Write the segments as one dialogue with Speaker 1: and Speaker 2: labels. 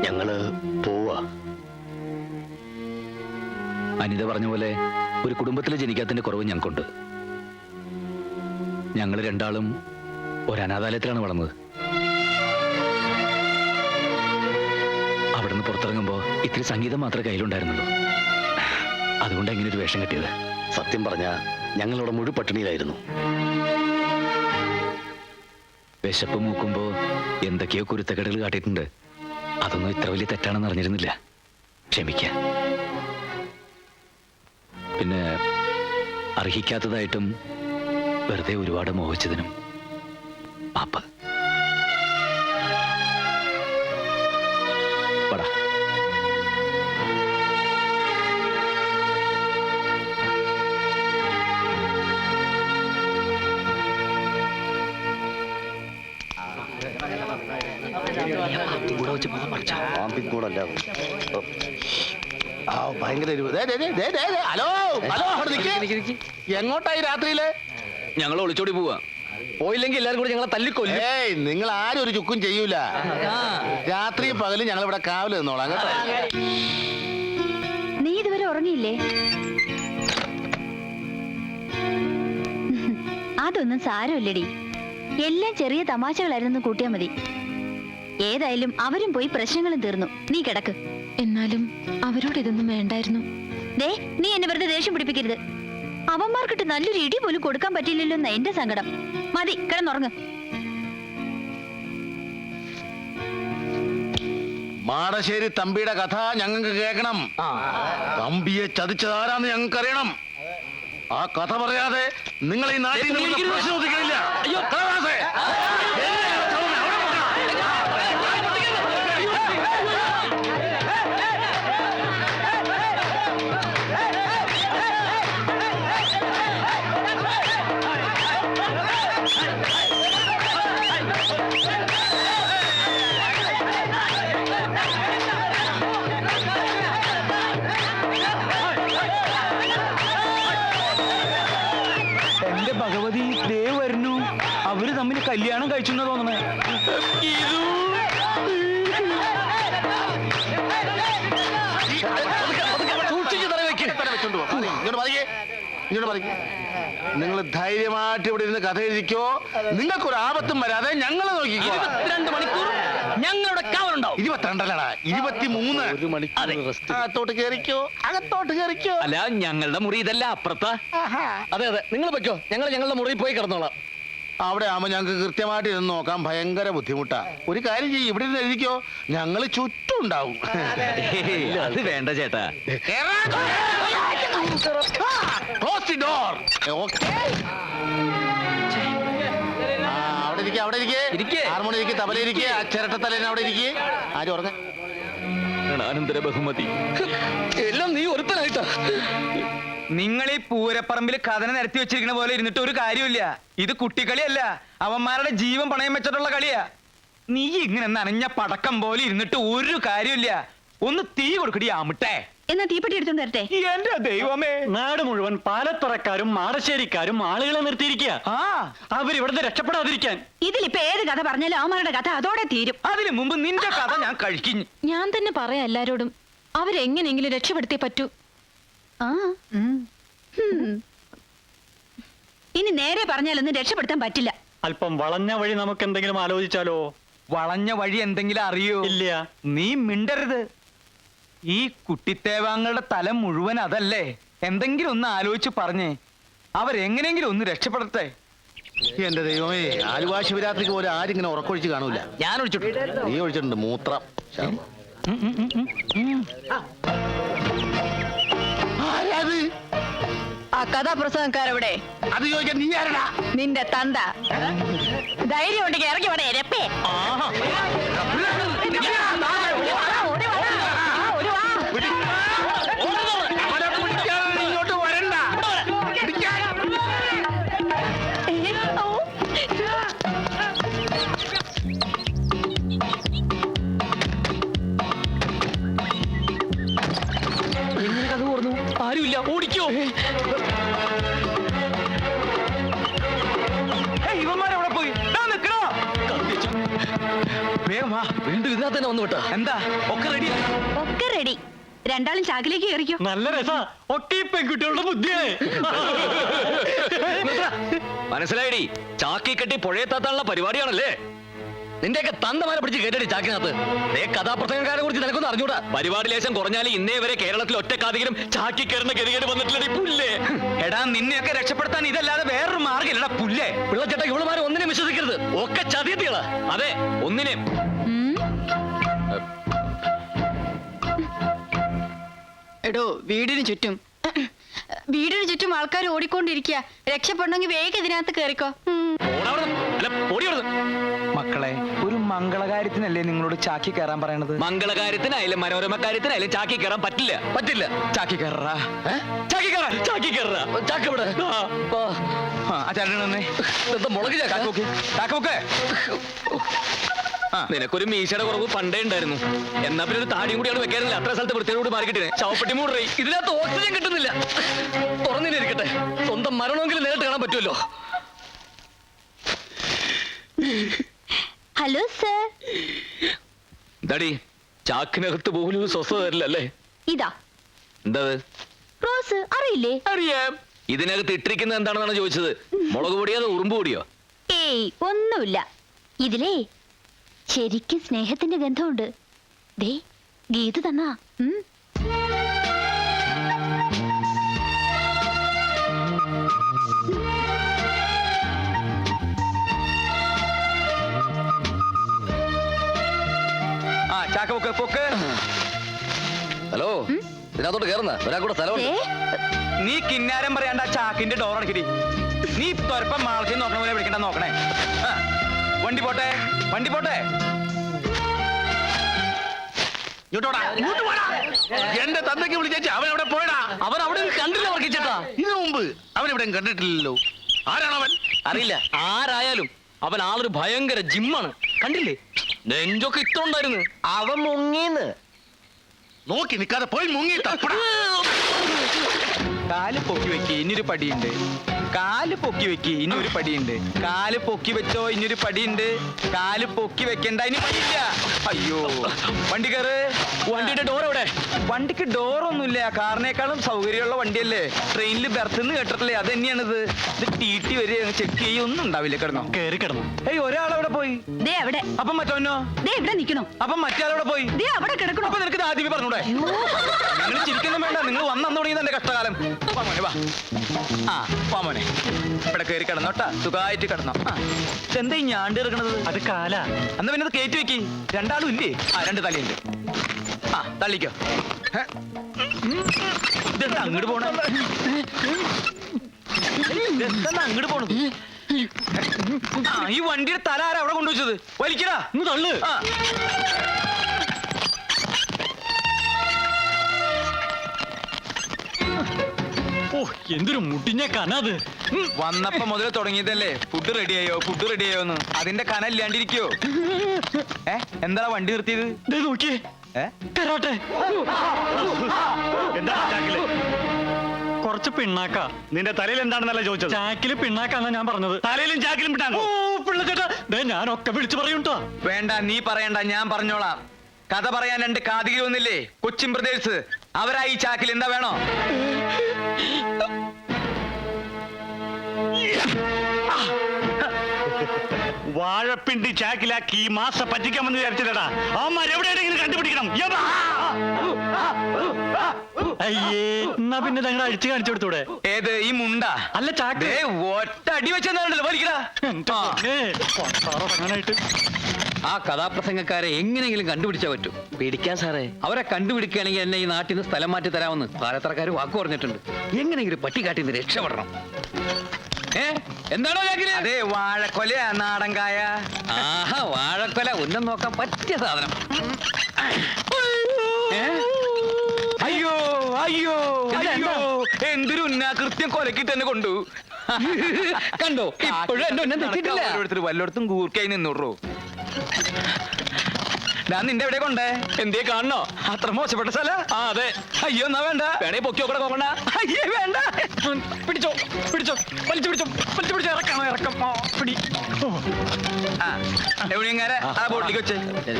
Speaker 1: ഞങ്ങള് പോവാ.
Speaker 2: അനിത പറഞ്ഞ പോലെ ഒരു കുടുംബത്തിൽ ജനിക്കാത്തതിന്റെ കുറവ് ഞങ്ങൾക്കുണ്ട്. ഞങ്ങൾ രണ്ടാളും ഒരു അനാഥാലയത്തിലാണ് വളർന്നത്. അവിടുന്ന് പുറത്തിറങ്ങുമ്പോ ഇത്തിരി സംഗീതം മാത്രമേ കയ്യിലുണ്ടായിരുന്നുള്ളൂ. അതുകൊണ്ട് എങ്ങനെ ഒരു വേഷം കിട്ടിയത്?
Speaker 1: സത്യം പറഞ്ഞ ഞങ്ങളിവിടെ മുഴു പട്ടിണിയിലായിരുന്നു.
Speaker 2: വിശപ്പ് മൂക്കുമ്പോ എന്തൊക്കെയോ കുരുത്തക്കേടുകൾ കാട്ടിയിട്ടുണ്ട്. അതൊന്നും ഇത്ര വലിയ തെറ്റാണെന്ന് അറിഞ്ഞിരുന്നില്ല. ക്ഷമിക്ക. പിന്നെ അർഹിക്കാത്തതായിട്ടും വെറുതെ ഒരുപാട് മോഹിച്ചതിനും പാപ്പ. പടാ.
Speaker 1: പാമ്പിക്കൂടല്ല. ഭയങ്കര ഹലോ ഹലോ, എങ്ങോട്ടായി രാത്രിയില്?
Speaker 2: ഞങ്ങൾ ഒളിച്ചോടി പോവാ. പോയില്ലെങ്കിൽ എല്ലാവരും കൂടി ഞങ്ങളെ തല്ലിക്കൊല്ലും.
Speaker 1: ഏയ്, നിങ്ങൾ ആരും ഒരു ചുക്കും ചെയ്യൂല. രാത്രിയും പകലും ഞങ്ങൾ ഇവിടെ കാവല് നിന്നോളാം കേട്ടോ.
Speaker 3: നീ ഇതുവരെ ഉറങ്ങിയില്ലേ? അതൊന്നും സാരമില്ലടി. എല്ലാം ചെറിയ തമാശകളായിരുന്നു കൂട്ടിയാ മതി. ഏതായാലും അവരും പോയി പ്രശ്നങ്ങളും തീർന്നു. നീ കിടക്ക്.
Speaker 4: എന്നാലും അവരോട് ഇതൊന്നും വേണ്ടായിരുന്നു.
Speaker 3: ദേ, നീ എന്നെ വെറുതെ ദേഷ്യം പിടിപ്പിക്കരുത്. അവന്മാർക്കിട്ട് നല്ലൊരു ഇടി പോലും കൊടുക്കാൻ പറ്റില്ലല്ലോ എന്നാ എന്റെ സങ്കടം. മതി, കിടന്നുറങ്ങ്.
Speaker 1: മാടശ്ശേരി തമ്പിയുടെ കഥ ഞങ്ങൾക്ക് കേൾക്കണം. തമ്പിയെ ചതിച്ചതാരാന്ന് ഞങ്ങൾക്ക് അറിയണം. ആ കഥ പറയാതെ നിങ്ങൾ ഈ നാട്ടിൽ ശ്രദ്ധിക്കണില്ല.
Speaker 5: എന്റെ ഭഗവതി, ദേ വരുന്നു. അവര് തമ്മിൽ കല്യാണം കഴിച്ചെന്ന് തോന്നണേ.
Speaker 1: നിങ്ങൾ ധൈര്യമായിട്ട് ഇവിടെ ഇരുന്ന് കഥ എഴുതിക്കോ. നിങ്ങൾക്കൊരു ആപത്തും വരാതെ ഞങ്ങൾ നോക്കിക്കോ.
Speaker 5: 2 മണിക്കൂർ ഞങ്ങളുടെ കാവലുണ്ടാവും.
Speaker 1: 22 23. ഒരു മണിക്കൂർ അകത്തോട്ട് കയറിക്കോ, അകത്തോട്ട് കയറിക്കോ.
Speaker 2: അല്ല, ഞങ്ങളുടെ മുറി ഇതല്ല, അപ്പുറത്താ.
Speaker 5: അതെ അതെ, നിങ്ങൾ വെക്കോ. ഞങ്ങൾ ഞങ്ങളുടെ മുറിയിൽ പോയി കിടന്നോളാം.
Speaker 1: അവിടെ ആവുമ്പോ ഞങ്ങൾക്ക് കൃത്യമായിട്ട് ഇരുന്ന് നോക്കാൻ ഭയങ്കര ബുദ്ധിമുട്ടാ. ഒരു കാര്യം ചെയ്യും, ഇവിടെ ഇരുന്ന് എഴുതിക്കോ. ഞങ്ങൾ ചുറ്റും ഉണ്ടാവും.
Speaker 2: അത് വേണ്ട ചേട്ടാ.
Speaker 1: Close the door. Okay. അവിടെ ഇരിക്കേ. ഹാർമോണി ഇരിക്കേ, തബല ഇരിക്കേ, ആ ചിരട്ടത്തലേനെ അവിടെ ഇരിക്കേ. ആരും ഉറങ്ങ.
Speaker 2: അനന്തര ബഹുമതി
Speaker 5: എല്ലാം നീ ഒരുത്തനായിട്ടാ. നിങ്ങൾ ഈ പൂരപ്പറമ്പിൽ കഥന നിരത്തി വെച്ചിരിക്കുന്ന പോലെ ഇരുന്നിട്ട് ഒരു കാര്യമില്ല. ഇത് കുട്ടിക്കളിയല്ല, അവന്മാരുടെ ജീവൻ പണയം വെച്ചിട്ടുള്ള കളിയാ. നീ ഇങ്ങനെ നനഞ്ഞ പടക്കം പോലെ ഇരുന്നിട്ട് ഒരു കാര്യമില്ല. ഒന്ന് തീ കൊടുക്കടി ആമിട്ടെ.
Speaker 3: എന്നാ തീപ്പെട്ടി എടുത്തോണ്ട് വരട്ടെ.
Speaker 5: എന്റെ ദൈവമേ,
Speaker 6: നാട് മുഴുവൻ പാലത്തുറക്കാരും മാടശ്ശേരിക്കാരും ആളുകളെ നിർത്തിയിരിക്കുക. അവരിവിടുന്ന് രക്ഷപ്പെടാതിരിക്കാൻ.
Speaker 3: ഇതിലിപ്പോ ഏത് കഥ പറഞ്ഞാലും അവന്മാരുടെ കഥ അതോടെ തീരും.
Speaker 5: അതിനു മുമ്പ് നിന്റെ കഥ ഞാൻ കഴിക്കുന്നു.
Speaker 4: ഞാൻ തന്നെ പറയാം എല്ലാരോടും, അവരെങ്ങനെയെങ്കിലും രക്ഷപ്പെടുത്തിയേ പറ്റൂ.
Speaker 3: ആ, ഇനി നേരെ പറഞ്ഞാലൊന്നും രക്ഷപ്പെടുത്താൻ പറ്റില്ല.
Speaker 6: അല്പം വളഞ്ഞ വഴി നമുക്ക് എന്തെങ്കിലും ആലോചിച്ചാലോ?
Speaker 5: വളഞ്ഞ വഴി എന്തെങ്കിലും അറിയോ?
Speaker 6: ഇല്ല.
Speaker 5: നീ മിണ്ടരുത്. ഈ കുട്ടിത്തേവാങ്ങളുടെ തല മുഴുവൻ അതല്ലേ. എന്തെങ്കിലും ഒന്ന് ആലോചിച്ച് പറഞ്ഞേ, അവരെങ്ങനെയെങ്കിലും ഒന്ന് രക്ഷപ്പെടട്ടെ.
Speaker 1: എന്റെ ദൈവമേ, ആലുവാ ശിവരാത്രിക്ക് പോലെ ആരും ഇങ്ങനെ ഉറക്കൊഴിച്ച് കാണൂല.
Speaker 5: ഞാൻ ഒഴിച്ചിട്ടുണ്ട്.
Speaker 1: നീ ഒഴിച്ചിട്ടുണ്ട് മൂത്രം. ആരാത്?
Speaker 3: ആ കഥാപ്രസംഗക്കാരെവിടെ?
Speaker 1: അത് ചോദിക്കാൻ നീ ആരടാ?
Speaker 3: നിന്റെ തന്ത. ധൈര്യം ഉണ്ടെങ്കിൽ ഇറങ്ങി വേണേ രപ്പേ.
Speaker 1: ഇങ്ങോട്ട് വരണ്ട.
Speaker 5: എങ്ങനെ കഥ ഓർന്നു? ആരുമില്ല, ഓടിക്കോ. ഇവന്മാരെവിടെ പോയി? വേഗം വാ.
Speaker 2: വീണ്ടും ഇതിനകത്ത് തന്നെ വന്നു വിട്ടാ.
Speaker 5: എന്താ ഒക്കെ റെഡിയാ?
Speaker 3: ഒക്കെ റെഡി. രണ്ടാളും ചാക്കിലേക്ക് കയറിക്കോ.
Speaker 6: നല്ല രസാ. ഒക്കെ ഈ പെൺകുട്ടികളുടെ ബുദ്ധിയേ.
Speaker 2: മനസ്സിലായിടി, ചാക്കി കെട്ടി പുഴയെത്താത്താനുള്ള പരിപാടിയാണല്ലേ. നിന്റെയൊക്കെ തന്തമാരെ പിടിച്ച് കേട്ടടി ചാക്കിനകത്ത്. കഥാപ്രസംഗക്കാരെ കുറിച്ച് നിനക്കൊന്നും അറിഞ്ഞൂടാ. പരിപാടി ലേശം കുറഞ്ഞാൽ ഇന്നേ വരെ കേരളത്തിൽ ഒറ്റക്കാധികരും ചാക്കി കയറുന്ന ഗതികേട് വന്നിട്ടില്ല. പുല്ലേ
Speaker 5: എടാ, നിന്നെയൊക്കെ രക്ഷപ്പെടുത്താൻ ഇതല്ലാതെ വേറൊരു മാർഗ്ഗമില്ലടാ പുല്ലേ.
Speaker 2: പിള്ളച്ചേട്ട ഇവളുമാരെ ഒന്നിനെ വിശ്വസിക്കരുത്. ഒക്കെ ചതിയത്തികളാ. അതെ, ഒന്നിനെ.
Speaker 7: എടോ, വീടിന് ചുറ്റും ആൾക്കാർ ഓടിക്കൊണ്ടിരിക്കുക. രക്ഷപ്പെടണമെങ്കിൽ വേഗം ഇതിനകത്ത് കേറിക്കോ.
Speaker 5: മക്കളെ, ഒരു മംഗളകാര്യത്തിനല്ലേ നിങ്ങളോട് ചാക്കി കയറാൻ പറയണത്?
Speaker 2: മംഗളകാര്യത്തിനായാലും മനോരമ കാര്യത്തിനായാലും ചാക്കി കയറാൻ പറ്റില്ല. പറ്റില്ല.
Speaker 5: ചാക്കി കയറാ.
Speaker 2: ചാക്കി കയറാ. ചാക്കി കയറാ. ചാക്ക് ഇവിടെ. മുളക്
Speaker 5: ചാക്ക്.
Speaker 2: നിനക്കൊരു മീശയുടെ കുറവ് പണ്ടേ ഉണ്ടായിരുന്നു. എന്നാ പിന്നെ ഒരു താടിയും കൂടിയാണ് വെക്കാറില്ല. അത്ര സ്ഥലത്ത് വൃത്തിയോട് മാറിക്കിട്ടേ ശവപ്പെട്ടി മൂടറി. ഇതിനകത്ത് ഓക്സിജൻ കിട്ടുന്നില്ല. തുറന്നിരിക്കട്ടെ, സ്വന്തം മരണമെങ്കിലും നേരിട്ട് കാണാൻ പറ്റുമല്ലോ.
Speaker 3: Hello sir.
Speaker 2: എന്താടി, ചാക്കിനകത്ത് പോലും സ്വസ്ഥത തരില്ല അല്ലേ?
Speaker 3: ഇതാ
Speaker 2: എന്താ
Speaker 3: റോസ്, അറിയില്ലേ?
Speaker 2: അറിയാം. ഇതിനകത്ത് ഇട്ടിരിക്കുന്നത് എന്താണെന്നാണ് ചോദിച്ചത്. മുളക് പൊടിയോ അതോ ഉറുമ്പ് പൊടിയോ?
Speaker 3: ഏയ്, ഒന്നുമില്ല. ഇതിലേ ശരിക്കും സ്നേഹത്തിന്റെ ഗന്ധമുണ്ട്. ദേ, ഗീത തന്നാ.
Speaker 5: ചാക്ക് പൊക്ക്.
Speaker 2: ഹലോ, ഇതിനകത്തോട്ട് കയറുന്ന ഒരാൾക്കൂടെ സ്ഥലമുണ്ട്.
Speaker 5: നീ കിന്നാരം പറയാണ്ട ചാക്കിന്റെ ഡോർ അടക്കിടി. നീ തൊരപ്പം മാളത്തിൽ നോക്കണ പോലെ വിളിക്കണ്ട. നോക്കണേ. വണ്ടി പോട്ടെ.
Speaker 1: എന്റെ തന്തയ്ക്ക് വിളിച്ചേച്ച് അവൻ എവിടെ പോയടാ?
Speaker 2: അവൻ അവിടെ കണ്ടില്ല വർക്കിച്ചേട്ടാ.
Speaker 1: ഇതിനു മുമ്പ് അവൻ ഇവിടെ കണ്ടിട്ടില്ലല്ലോ. ആരാണവൻ?
Speaker 2: അറിയില്ല. ആരായാലും അവൻ ആളൊരു ഭയങ്കര ജിമ്മാണ്. കണ്ടില്ലേ, നെഞ്ചൊക്കെ ഇട്ടുണ്ടായിരുന്നു.
Speaker 5: അവൻ മുങ്ങീന്ന്.
Speaker 1: നോക്കി നിൽക്കാതെ പോയി മുങ്ങി തപ്പടാ.
Speaker 5: കാല് പൊക്കി വെക്കി, ഇനിയൊരു പടിയുണ്ട്. കാല് പൊക്കി വെക്കി, ഇനി ഒരു പടിയുണ്ട്. കാല് പൊക്കി വെച്ചോ, ഇനിയൊരു പടിയുണ്ട്. കാല് പൊക്കി വെക്കണ്ട, ഇനി പടിയില്ല. അയ്യോ, വണ്ടി കയറ്.
Speaker 2: വണ്ടിയുടെ ഡോർ എവിടെ?
Speaker 5: വണ്ടിക്ക് ഡോറൊന്നുമില്ല. കാറിനേക്കാളും സൗകര്യമുള്ള വണ്ടിയല്ലേ. ട്രെയിനിൽ ബെർത്ത് കേട്ടിട്ടില്ലേ? അത് തന്നെയാണിത്. ഇത് ടി വരെ ചെക്ക് ചെയ്യൊന്നും ഉണ്ടാവില്ല. കിടന്നോ?
Speaker 6: കേറി കിടന്നു.
Speaker 5: ഏയ്, ഒരാളവിടെ പോയി.
Speaker 3: ദേ അവിടെ.
Speaker 5: അപ്പം മറ്റോനോ?
Speaker 3: ദേ ഇവിടെ നിക്കണോ?
Speaker 5: അപ്പം മറ്റേ പോയി.
Speaker 3: ദേ അവിടെ കിടക്കണോ?
Speaker 5: അപ്പൊ നിനക്ക് ആദ്യമേ പറഞ്ഞൂടെ? നിങ്ങൾ ചിരിക്കൊന്നും വേണ്ട. നിങ്ങൾ വന്നു തുടങ്ങിയത് എന്റെ കഷ്ടകാലം. വാ മോനെ, വാ. വാ മോനെ, ഇവിടെ കയറി കിടന്നോട്ടാ. സുഖമായിട്ട് കിടന്നോ. ഇതെന്താ ഈ ഞാണ്ട് കിടക്കണത്?
Speaker 6: അത് കാല.
Speaker 5: എന്നാ പിന്നെ അത് കയറ്റി വെക്കി. രണ്ടാളും ഇല്ലേ? രണ്ട് തലയുണ്ട്. തള്ളിക്കോ. ഇതെന്താ അങ്ങോട്ട് പോണ? ഇതെന്താ അങ്ങോട്ട് പോണത്? ഈ വണ്ടിയുടെ തല ആരാ അവിടെ കൊണ്ടുവച്ചത്? വലിക്കടാ.
Speaker 6: തള്ളു. ഓ, എന്തൊരു മുടിഞ്ഞ കനത്.
Speaker 5: വന്നപ്പോ മുതൽ തുടങ്ങിയതല്ലേ ഫുഡ് റെഡിയായോന്ന്. അതിന്റെ കന ഇല്ലാണ്ടിരിക്കോ? എന്താ വണ്ടി നിർത്തിയത്?
Speaker 6: നോക്കിയേ, കരാട്ടെ. എന്താ ചാക്കില്? കുറച്ച് പിണ്ണാക്ക. നിന്റെ തലയിൽ എന്താണെന്നല്ല ചോദിച്ചത്. ചാക്കില് പിണ്ണാക്കാന്നാ ഞാൻ പറഞ്ഞത്. തലയിലും ചാക്കിലും പിണ്ണാക്ക. ഓ പിള്ളച്ചേട്ടാ, ഞാനൊക്കെ വിളിച്ചു പറയൂട്ടോ.
Speaker 5: വേണ്ട, നീ പറയണ്ട, ഞാൻ പറഞ്ഞോളാം. കഥ പറയാൻ രണ്ട് കാതികി ഒന്നില്ലേ, കൊച്ചിൻ ബ്രദേഴ്സ്. അവരായി ചാക്കിൽ എന്താ വേണോ?
Speaker 6: വാഴപ്പിണ്ടി ചാക്കിലാക്കി ഈ മാസം പറ്റിക്കാമെന്ന് വിചാരിച്ചില്ലടാ. അവന്മാർ എവിടെയെങ്കിലും കണ്ടുപിടിക്കണം. അയ്യേ, എന്നാ പിന്നെ ഞങ്ങൾ അഴിച്ചു കാണിച്ചു കൊടുത്തൂടെ?
Speaker 5: ഏത്, ഈ മുണ്ട?
Speaker 6: അല്ല, ചാക്ക്.
Speaker 5: ഒറ്റ അടി വെച്ചെന്നാണല്ലോ വലിക്കടാ.
Speaker 6: അങ്ങനായിട്ട്
Speaker 2: ആ കഥാപ്രസംഗക്കാരെ എങ്ങനെയെങ്കിലും കണ്ടുപിടിച്ചാൽ പറ്റും. പേടിക്കാൻ സാറേ, അവരെ കണ്ടുപിടിക്കുകയാണെങ്കിൽ എന്നെ ഈ നാട്ടിൽ നിന്ന് സ്ഥലം മാറ്റി തരാമെന്ന് പാലത്തറക്കാർ വാക്ക് പറഞ്ഞിട്ടുണ്ട്. എങ്ങനെയെങ്കിലും പട്ടിക്കാട്ടിൽ നിന്ന് രക്ഷപ്പെടണം. എന്താണോ ചാക്കില്?
Speaker 5: അതെ, വാഴക്കൊല, നാടൻകായ.
Speaker 2: ആഹാ, വാഴക്കൊല. ഒന്നും നോക്കാൻ പറ്റിയ സാധനം.
Speaker 5: അയ്യോ അയ്യോ അയ്യോ, എന്തൊരു ഉന്നാകൃത്യം കൊലക്കി തന്നെ കൊണ്ടു.
Speaker 2: കണ്ടോ, ഇപ്പോഴും എന്റെ ഒന്നും തെറ്റിട്ടില്ല.
Speaker 5: വല്ലയിടത്തും കൂർക്കായി നിന്നോടോ. ഞാൻ നിന്റെ എവിടെ കൊണ്ടേ
Speaker 2: എന്തേ കാണണോ?
Speaker 5: അത്ര മോശപ്പെട്ട സ്ഥല.
Speaker 2: ആ അതെ.
Speaker 5: അയ്യോ എന്നാ വേണ്ട.
Speaker 2: വേണേ പൊക്കി നോക്കണ നോക്കണ്ട.
Speaker 5: അയ്യേ വേണ്ട.
Speaker 2: പിടിച്ചോ പിടിച്ചോ വലിച്ചു പിടിച്ചോ വലിച്ചു പിടിച്ചോ. ഇറക്കണോ? ഇറക്കം. പിടി.
Speaker 5: എവിടെയെങ്ങാരെ ആ ബോട്ടിലേക്ക് വെച്ച്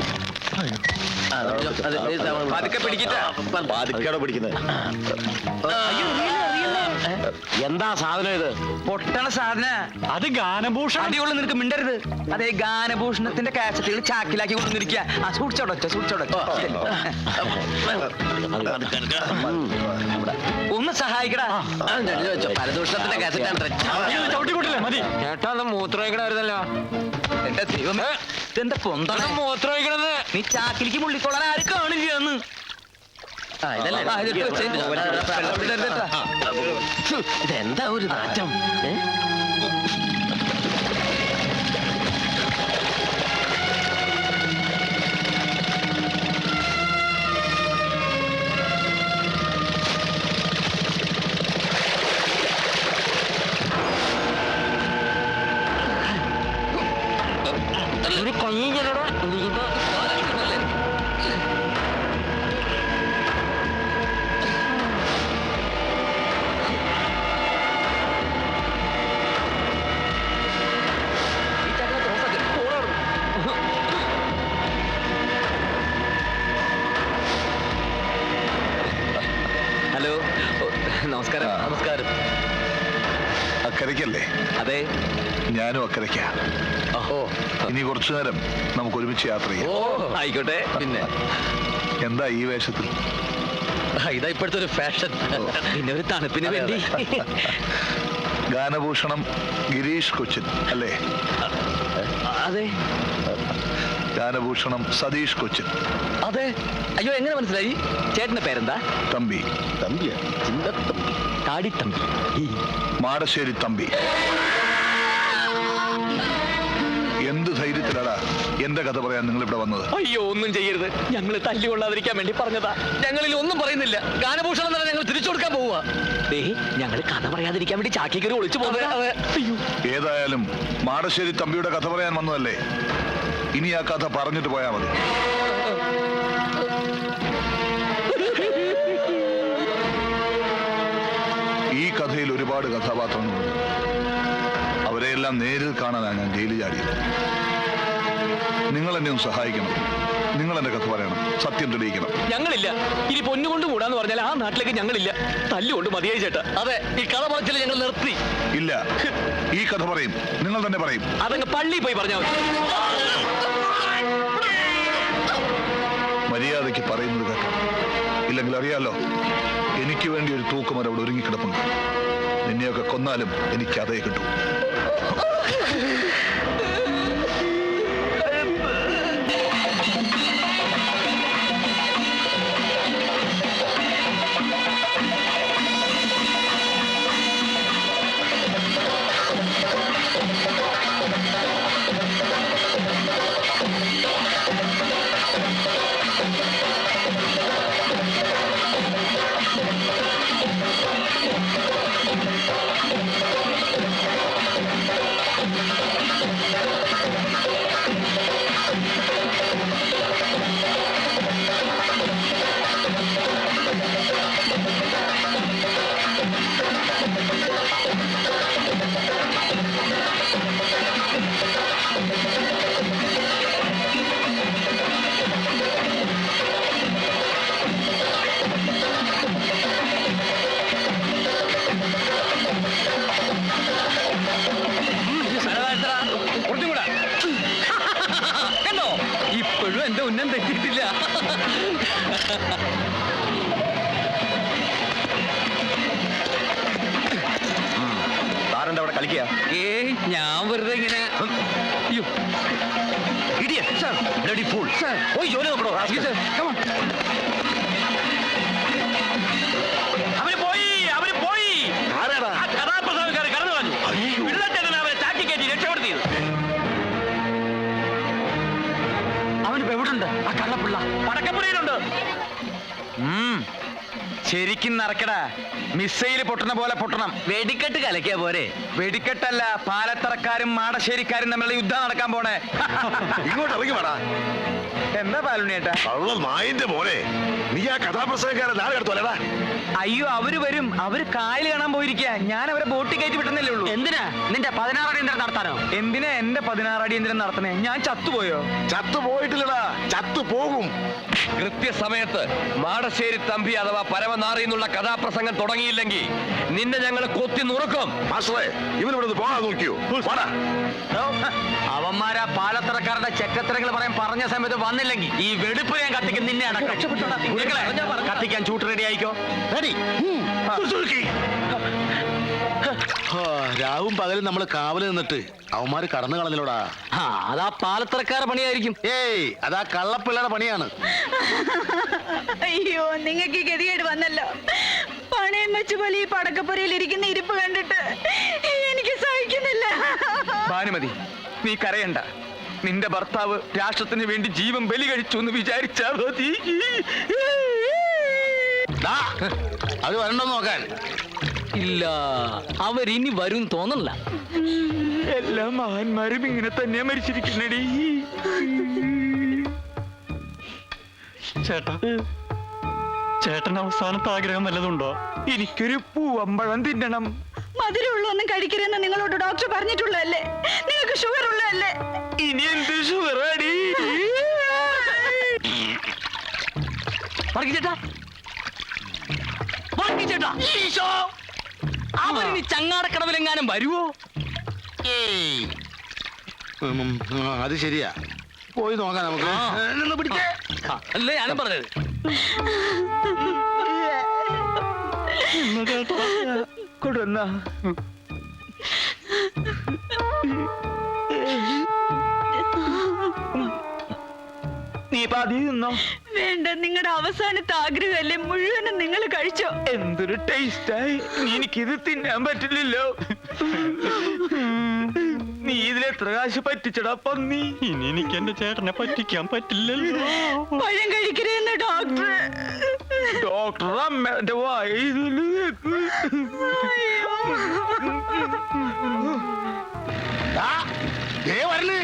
Speaker 5: പതുക്കെ പിടിക്കട്ടെ.
Speaker 1: എന്താ സാധനം ഇത്?
Speaker 5: പൊട്ടണ സാധന.
Speaker 6: അത് ഗാനഭൂഷണം.
Speaker 5: അടിയുള്ള നിനക്ക് മിണ്ടരുത്. അതേ ഗാനഭൂഷണത്തിന്റെ കാസറ്റുകൾ ചാക്കിലാക്കി കൊണ്ടുവന്നിരിക്കുക. ആ സൂക്ഷിച്ചോടൊച്ച സൂക്ഷിച്ചോടൊച്ച. ഒന്ന് സഹായിക്കടാ.
Speaker 1: പരദൂഷണത്തിന്റെ
Speaker 6: ചവിട്ടിക്കൂട്ടില്ലേ? മതി.
Speaker 2: ചേട്ടാ അത് മൂത്രമൊഴിക്കണമായിരുന്നല്ലോ.
Speaker 5: എന്റെ ദൈവമേ, ഇതെന്താ പൊന്താണ്
Speaker 2: മൂത്രമൊഴിക്കണത്?
Speaker 5: നീ ചാക്കിലേക്ക് മുള്ളിക്കൊള്ളാൻ ആരും കാണില്ല എന്ന്.
Speaker 1: ഇതെന്താ ഒരു നാറ്റം?
Speaker 2: ഹലോ, നമസ്കാരം. നമസ്കാരം.
Speaker 8: അക്കരയ്ക്കല്ലേ?
Speaker 2: അതെ.
Speaker 8: ഞാനും അക്കരയ്ക്കാ.
Speaker 2: ഓ
Speaker 8: ഇനി കുറച്ചു നേരം നമുക്ക് ഒരുമിച്ച് യാത്ര ചെയ്യാം.
Speaker 2: ആയിക്കോട്ടെ. പിന്നെ
Speaker 8: എന്താ ഈ വേഷത്തിൽ?
Speaker 2: ഇതാ ഇപ്പോഴത്തെ ഒരു ഫാഷൻ. പിന്നെ ഒരു തണുപ്പിന് വേണ്ടി.
Speaker 8: ഗാനഭൂഷണം ഗിരീഷ് കൊച്ചിൻ അല്ലേ?
Speaker 2: അതെ.
Speaker 8: ഗാനഭൂഷണം സതീഷ് കൊച്ചിൻ.
Speaker 2: അതെ. അയ്യോ, എങ്ങനെ മനസ്സിലായി? ചേട്ടന്റെ പേരെന്താ?
Speaker 8: തമ്പി.
Speaker 2: തമ്പിയാ? ചിന്തത്തമ്പി. കാടിത്തമ്പി.
Speaker 8: മാടശ്ശേരി തമ്പി. എന്ത് ധൈര്യത്തിലാടാ എന്റെ കഥ പറയാൻ നിങ്ങൾ ഇവിടെ വന്നത്?
Speaker 2: അയ്യോ, ഒന്നും ചെയ്യരുത്. ഞങ്ങൾ തല്ലി കൊള്ളാതിരിക്കാൻ വേണ്ടി പറഞ്ഞതാ. ഞങ്ങളിൽ ഒന്നും പറയുന്നില്ല. ഗാനഭൂഷണം തന്നെ ഞങ്ങൾ തിരിച്ചു കൊടുക്കാൻ പോവുക. ഞങ്ങൾ കഥ പറയാതിരിക്കാൻ വേണ്ടി ചാക്കിക്കറി ഒളിച്ചു പോകുന്നത്. അയ്യോ.
Speaker 8: ഏതായാലും മാടശ്ശേരി തമ്പിയുടെ കഥ പറയാൻ വന്നതല്ലേ? ഇനി ആ കഥ പറഞ്ഞിട്ട് പോയാ മതി. ഈ കഥയിൽ ഒരുപാട് കഥാപാത്രങ്ങളുണ്ട്. അവരെയെല്ലാം നേരിൽ കാണാനാണ് ഞാൻ ജയിലിൽ ചാടിയത്. നിങ്ങൾ എന്നെ ഒന്ന് സഹായിക്കണം. നിങ്ങൾ എന്റെ കഥ പറയണം. സത്യം തെളിയിക്കണം.
Speaker 2: ഞങ്ങളില്ല. ഇനി പൊന്നുകൊണ്ട് കൂടാന്ന് പറഞ്ഞാൽ ആ നാട്ടിലേക്ക് ഞങ്ങളില്ല. തല്ലുകൊണ്ട് മതിയായി ചേട്ടാ. അതെ, ഈ കഥ പറച്ചിൽ ഞങ്ങൾ നിർത്തി.
Speaker 8: ഇല്ല, ഈ കഥ പറയും. നിങ്ങൾ തന്നെ പറയും.
Speaker 2: അതങ്ങ് പള്ളി പോയി പറഞ്ഞാൽ മതി.
Speaker 8: മര്യാദയ്ക്ക് പറയുന്നത് കേട്ടോ. ഇല്ലെങ്കിൽ അറിയാലോ, എനിക്ക് വേണ്ടി ഒരു തൂക്കുമരം അവിടെ ഒരുങ്ങിക്കിടപ്പുണ്ട്. നിന്നെയൊക്കെ കൊന്നാലും എനിക്ക് അതേ കിട്ടും.
Speaker 2: കണ്ടോ, ഇപ്പോഴും എന്റെ ഉന്നം തെറ്റിയിട്ടില്ല.
Speaker 8: താരെന്താ അവിടെ കളിക്കുക?
Speaker 2: ഞാൻ വെറുതെ ഇങ്ങനെ. അയ്യോ,
Speaker 8: പോയി ജോലി നോക്കണോ?
Speaker 2: അവര് പോയി.
Speaker 8: ആരാടാ?
Speaker 2: കഥാപ്രസംഗക്കാരെ കടന്നു കളഞ്ഞു. പിള്ളേറ്റനെ അവരെ ചാക്കി കയറ്റി രക്ഷപ്പെടുത്തിയത്.
Speaker 5: അവനിപ്പോ എവിടുണ്ട്? ആ കള്ളപ്പിള്ള
Speaker 2: പടക്കപ്പുറയിലുണ്ട്.
Speaker 5: ശരിക്കും നടക്കടാ. മിസൈല് പൊട്ടണ പോലെ പൊട്ടണം.
Speaker 2: വെടിക്കെട്ട് കലക്കിയ പോരെ.
Speaker 5: വെടിക്കെട്ടല്ല, പാലത്തറക്കാരും മാടശ്ശേരിക്കാരും തമ്മിലുള്ള യുദ്ധം നടക്കാൻ പോണേ.
Speaker 8: ഇങ്ങോട്ട് ഇറങ്ങി വേടാ.
Speaker 5: എന്താ പാലുണ്ണിയേട്ടാ?
Speaker 1: നായിന്റെ മോനെ, നീ ആ കഥാപ്രസംഗക്കാരൻ നാളെ എടുത്തോലടാ.
Speaker 5: അയ്യോ, അവര് വരും. അവര് കായൽ കാണാൻ പോയിരിക്കുക. ഞാൻ അവരെ ബോട്ടിൽ കയറ്റി വിട്ടുന്നല്ലേ ഉള്ളൂ.
Speaker 2: എന്തിനാ നിന്റെ 16 അടിയന്തരം നടത്താനോ?
Speaker 5: എന്തിനാ എന്റെ 16 അടിയന്തരം നടത്തണേ? ഞാൻ ചത്തുപോയോ?
Speaker 1: ചത്തു പോയിട്ടില്ലടാ, ചത്തു പോകും.
Speaker 2: കൃത്യസമയത്ത് മാടശ്ശേരി തമ്പി അഥവാ പരമനാറി എന്നുള്ള കഥാപ്രസംഗം തുടങ്ങിയില്ലെങ്കിൽ നിന്നെ ഞങ്ങൾ കൊത്തി നുറുക്കും.
Speaker 1: മാസ്റ്ററെ, ഇവനിവിടെ പോകാൻ നോക്കിയോ? വാടാ.
Speaker 2: അവന്മാരാ പാലത്തറക്കാരുടെ ചെക്കത്തരങ്ങൾ പറയാൻ പറഞ്ഞ സമയത്ത് വന്നില്ലെങ്കിൽ ഈ വെടിപ്പ് ഞാൻ കത്തിക്കും. നിന്നെ അടക്കം കത്തിക്കാൻ ചൂട്ട് റെഡി ആയിക്കോ.
Speaker 1: രാവും പകലും നമ്മൾ കാവല് നിന്നിട്ട് അവന്മാര് കടന്നു കളഞ്ഞിലോടാ.
Speaker 2: അതാ പാലത്തറക്കാരുടെ പണിയായിരിക്കും.
Speaker 1: ഏയ്, അതാ കള്ളപ്പിള്ളയുടെ പണിയാണ്.
Speaker 7: അയ്യോ, നിങ്ങൾക്ക് ഈ ഗതികേട് വന്നല്ലോ. പണയം വെച്ച് പോലെ ഈ പടക്കപ്പുരയിൽ ഇരിക്കുന്ന ഇരിപ്പ് കണ്ടിട്ട് എനിക്ക് സഹിക്കുന്നില്ല.
Speaker 5: ഭാനുമതി, നീ കരയണ്ട. നിന്റെ ഭർത്താവ് രാഷ്ട്രത്തിന് വേണ്ടി ജീവൻ ബലി കഴിച്ചു എന്ന് വിചാരിച്ചാ മതി.
Speaker 1: ദാ, അത് വരണ്ടോ നോക്കാൻ.
Speaker 2: ഇല്ല, അവരിനി വരും തോന്നല്ല.
Speaker 5: എല്ലാ മഹാന്മാരും ഇങ്ങനെ തന്നെയാ മരിച്ചിരിക്കുന്നടി.
Speaker 6: ചേട്ടാ, ചേട്ടൻ അവസാനത്തെ ആഗ്രഹം വല്ലതുണ്ടോ?
Speaker 5: എനിക്കൊരു പൂവമ്പഴം തിന്നണം.
Speaker 7: മധുരമുള്ളൊന്നും കഴിക്കരുതെന്ന് നിങ്ങളോട് ഡോക്ടർ പറഞ്ഞിട്ടുള്ളതല്ലേ? നിങ്ങൾക്ക് ഷുഗർ ഉള്ളതല്ലേ?
Speaker 5: ഇനി എന്ത് ഷുഗറാടി?
Speaker 2: അവരിനി ചങ്ങാടക്കടവിലെങ്ങാനും വരുവോ?
Speaker 1: ഏയ്, അത് ശരിയാ. പോയി നോക്കാം നമുക്ക്. നിന്ന് പിടിച്ചേ.
Speaker 2: അല്ലേ ഞാനും പറഞ്ഞത്.
Speaker 5: കൊടുന്ന നീ പാതി തിന്നോ?
Speaker 7: വേണ്ട, നിങ്ങളുടെ അവസാനത്തെ ആഗ്രഹമല്ലേ, മുഴുവനും നിങ്ങൾ കഴിച്ചോ.
Speaker 5: എന്തൊരു ടേസ്റ്റായി. എനിക്കിത് തിന്നാൻ പറ്റില്ലല്ലോ. നീ ഇതിലെത്ര കാശ് പറ്റിച്ചടാ പന്നി?
Speaker 6: ഇനി എനിക്ക് എന്റെ ചേട്ടനെ പറ്റിക്കാൻ പറ്റില്ലല്ലോ.
Speaker 7: പഴം കഴിക്കരുതെന്ന് ഡോക്ടർ.
Speaker 5: ഡോക്ടർ അമ്മന്റെ വായ
Speaker 1: വരല്.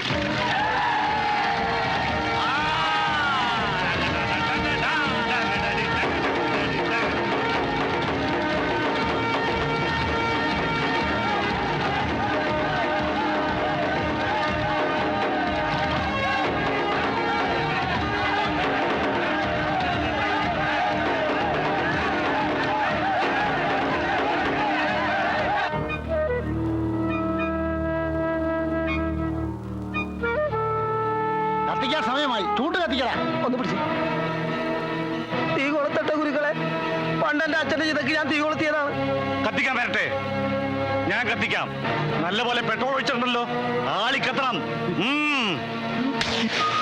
Speaker 1: കത്തിക്കാൻ സമയമായി. ചൂട്ട് കത്തിക്കടാ. ഒന്ന് പിടിച്ച്.
Speaker 5: തീ കൊളുത്തട്ട ഗുരുക്കളെ. പണ്ടെന്റെ അച്ഛന്റെ ചിതക്ക് ഞാൻ തീ കൊളുത്തിയതാണ്.
Speaker 6: കത്തിക്കാൻ വരട്ടെ, ഞാൻ കത്തിക്കാം. നല്ലപോലെ പെട്രോൾ ഒഴിച്ചിട്ടുണ്ടല്ലോ, ആളി കത്തണം.